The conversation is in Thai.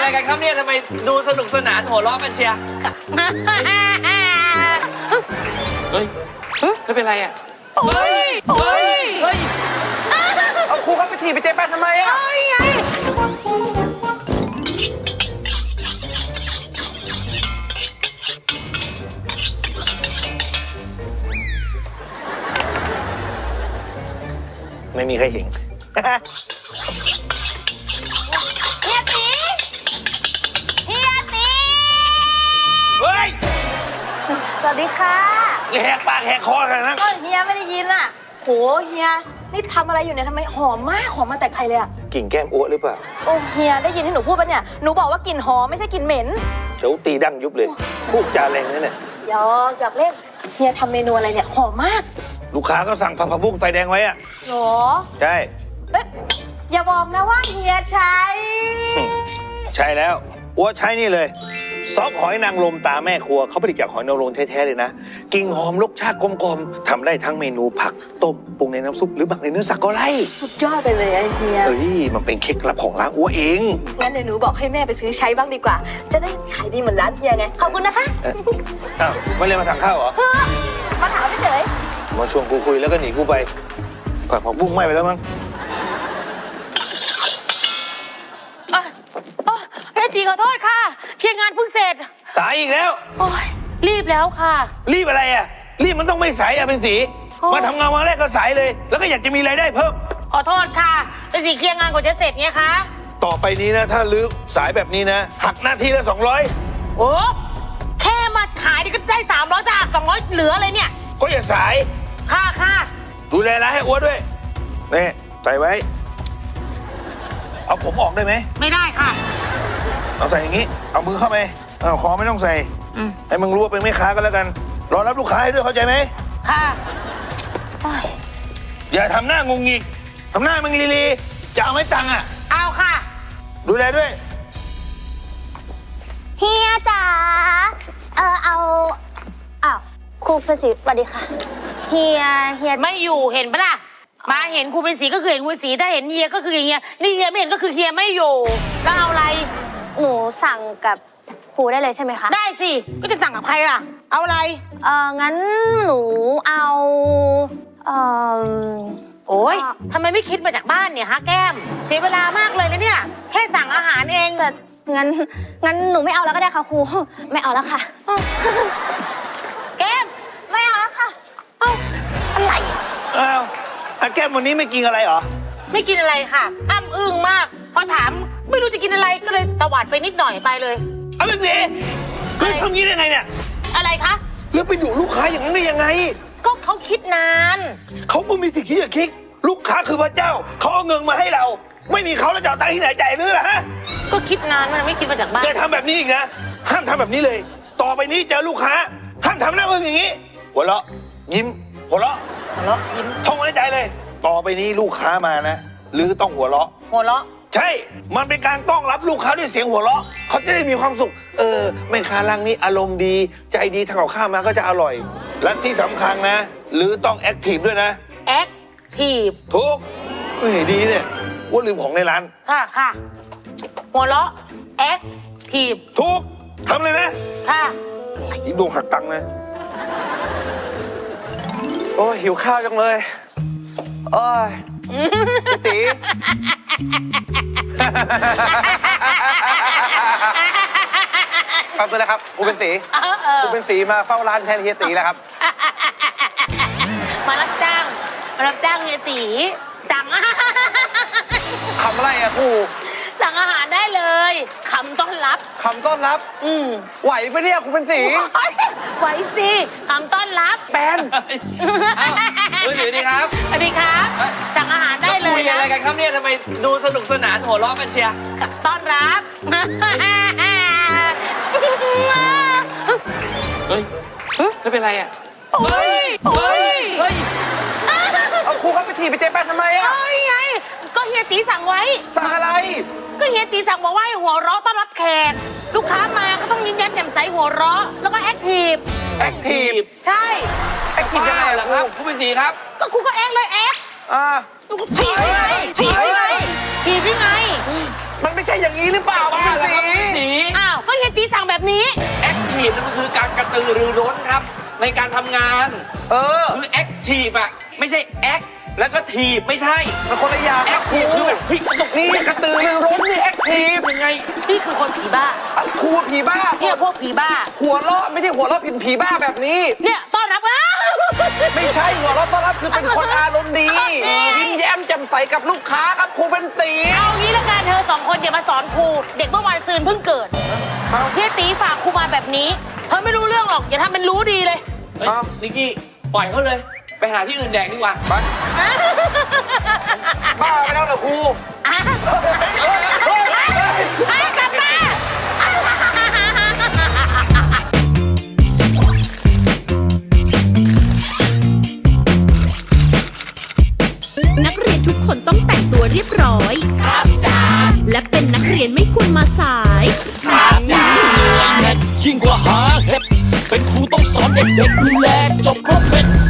อะไรกันครับเนี่ยทำไมดูสนุกสนานหัวเราะกันเชียร์เฮ้ยไม่เป็นไรอ่ะเฮ้ยเอาครูครับไปถีบไปเจ๊แป๊ะทำไมอ่ะไงไม่มีใครเห็นเฮียตีเฮ้ยสวัสดีค่ะแหกปากแหกคอกันนะก็เฮียไม่ได้ยินอ่ะโหเฮียนี่ทำอะไรอยู่เนี่ยทำไมหอมมากหอมมาแต่ไกลเลยอ่ะกลิ่นแก้มอ้วหรือเปล่าโอ้เฮียได้ยินที่หนูพูดปะเนี่ยหนูบอกว่ากลิ่นหอมไม่ใช่กลิ่นเหม็นเดี๋ยวตีดั้งยุบเลยพูดจาแรงนั่นแหละอยากเล่นเฮียทำเมนูอะไรเนี่ยหอมมากลูกค้าก็สั่งผักบุ้งไฟแดงไว้อะหรอใช่อย่าบอกนะว่าเฮียใช้แล้วอ้วใช้นี่เลยซอสหอยนางรมตาแม่ครัวเขาผลิตจากหอยนางรมแท้ๆเลยนะกลิ่นหอมรสชาติกลมๆทำได้ทั้งเมนูผักต้มปรุงในน้ำซุปหรือหมักในเนื้อสักก็ได้สุดยอดไปเลยไอเฮียมันเป็นเคล็ดลับของร้านอ้วเองงั้นเดี๋ยวหนูบอกให้แม่ไปซื้อใช้บ้างดีกว่าจะได้ขายดีเหมือนร้านเฮียไงขอบคุณนะคะอ้าวไม่เลยมาสั่งข้าวเหรอมาถามเฉยมาชวนกูคุยแล้วก็หนีกูไปผักบุ้งไหม้ไปแล้วมั้งตีขอโทษค่ะเคลียร์งานเพิ่งเสร็จสายอีกแล้วโอ้ยรีบแล้วค่ะรีบอะไรอ่ะรีบมันต้องไม่สายอ่ะเป็นสีมาทำงานวันแรกก็สายเลยแล้วก็อยากจะมีรายได้เพิ่มขอโทษค่ะเป็นสีเคลียร์งานกว่าจะเสร็จไงคะต่อไปนี้นะถ้าลื้อสายแบบนี้นะหักหน้าที่ละ200 โอ้แค่มาขายนี่ก็ได้300จะหัก200เหลืออะไรเนี่ยก็อย่าสายค่ะดูแลร้านให้อ้วนด้วยนี่ใส่ไว้เอาผมออกได้ไหมไม่ได้ค่ะเอาใส่อย่างนี้เอามือเข้าไปเอาคอไม่ต้องใส่ให้มึงรู้ว่าเป็นแม่ค้าก็แล้วกันรอรับลูกค้าให้ด้วยเข้าใจไหมค่ะอย่าทำหน้างงงิกทำหน้ามึงลีจะเอาไม่ตังค์อ่ะเอาค่ะดูแลด้วยเฮียจ๋าเอาครูเป็นสีสวัสดีค่ะเฮียไม่อยู่เห็นปะล่ะมาเห็นครูเป็นสีก็คือเห็นครูเป็นสีถ้าเห็นเฮียก็คือเฮียนี่เฮียไม่เห็นก็คือเฮียไม่อยู่แล้วเอาอะไรหนูสั่งกับครูได้เลยใช่ไหมคะได้สิก็จะสั่งกับใครล่ะเอาอะไรงั้นหนูเอาโอ๊ยทำไมไม่คิดมาจากบ้านเนี่ยฮะแก้มเสียเวลามากเลยนะเนี่ยแค่สั่งอาหารเองแต่งั้นหนูไม่เอาแล้วก็ได้ค่ะครูไม่เอาแล้วค่ะแก้มไม่เอาแล้วค่ะอะไรแก้มวันนี้ไม่กินอะไรเหรอไม่กินอะไรค่ะอ้ำอึ้งมากพอถามไม่รู้จะกินอะไรก็เลยตวาดไปนิดหน่อยไปเลยเอาไปสิเฮ้ยทำงี้ได้ไงเนี่ยอะไรคะแล้วไปดุลูกค้าอย่างนั้นได้ยังไงก็เขาคิดนานเขาก็มีสิทธิ์ที่จะคิดลูกค้าคือพระเจ้าเขาเอาเงินมาให้เราไม่มีเขาแล้วจะเอาตังค์ที่ไหนจ่ายหรือล่ะฮะก็คิดนานมันไม่คิดมาจากบ้านอย่าทำแบบนี้อีกนะห้ามทำแบบนี้เลยต่อไปนี้เจอลูกค้าห้ามทำหน้ามึงอย่างนี้หัวเราะยิ้มหัวเราะยิ้มท่องไว้ในใจเลยต่อไปนี้ลูกค้ามานะหรือต้องหัวเราะใช่มันเป็นการต้อนรับลูกค้าด้วยเสียงหัวเราะเขาจะได้มีความสุขแม่ค้าร้านนี้อารมณ์ดีใจดีทำกับข้าวมาก็จะอร่อยและที่สำคัญนะหรือต้องแอคทีฟด้วยนะแอคทีฟถูกดีเนี่ยว่าลืมของในร้านค่ะหัวเราะแอคทีฟถูกทำเลยนะค่ะยิ้มดวงหักตังค์นะโอ้หิวข้าวจังเลยโอ้ยตีขอบคุณนะครับครูเป็นสีมาเฝ้าร้านแทนเฮียตีแล้วครับมารับจ้างเฮียตีสั่งคำอะไรอะครูสั่งอาหารได้เลยคำต้อนรับไหวปะเนี่ยครูเป็นสีไหวสิคำต้อนรับแปนสวัสดีครับสวัสดีครับสั่งอาหารได้เลยคุยอะไรกันครับเนี่ยทำไมดูสนุกสนานหัวเราะกันเชียร์ต้อนรับเฮ้ยไม่เป็นไรอ่ะเฮ้ยเอาครูครับไปถีบไปเจ๊แป๊ะทำไมอ่ะไงก็เฮียตีสั่งไว้สั่งอะไรก็เฮียตีสั่งบอกว่าให้หัวเราะต้อนรับแขกลูกค้ามาก็ต้องยิ้มแย้มแจ่มใสหัวเราะแล้วก็แอคทีฟใช่แอคทีฟยังไงล่ะครับครูเป็นสีครับก็ครูก็แอคเลยแอคถีบยังไงมันไม่ใช่อย่างนี้หรือเปล่าครูบ้าเป็นแล้วสีครับสีอ้าวก็เฮียตีสั่งแบบนี้แอคทีฟนั่นมันคือการกระตือรือร้นครับ ในการทำงาน คือแอคทีฟอะไม่ใช่แอคแล้วก็ทีบไม่ใช่มันคนละอย่างแอครับคครูทีฟคือแบบเฮ้ยมันต้องนี่กระตือรือร้นนี่แอคทีฟยังไงนี่คือคนผีบ้าครูผีบ้าเนี่ยพวกผีบ้าหัวเราะไม่ใช่หัวเราะผีบ้าแบบนี้เนี่ยต้อนรับอ้าวไม่ใช่หัวเราะต้อนรับคือเป็นคนอารมณ์ดี ยิ้มแย้มแจ่มใสกับลูกค้าครับครูเป็นสีเอางี้ละกันเธอสองคนอย่ามาสอนครูเด็กเมื่อวานซืนเพิ่งเกิดเฮียตีฝากครูมาแบบนี้ เธอไม่รู้เรื่องหรอกอย่าทำเป็นรู้ดีเลยเฮ้ยนิกกี้ปล่อยเขาเลย ไปหาที่อื่นแดกดีกว่าบ้าไปแล้วเหรอครูกลับมานักเรียนทุกคนต้องแต่งตัวเรียบร้อย ครับจ้าและเป็นนักเรียนไม่ควรมาสายยิ่งกว่าหาเห็ดเป็นครูต้องสอนเด็กๆดูแลจบครบเป็น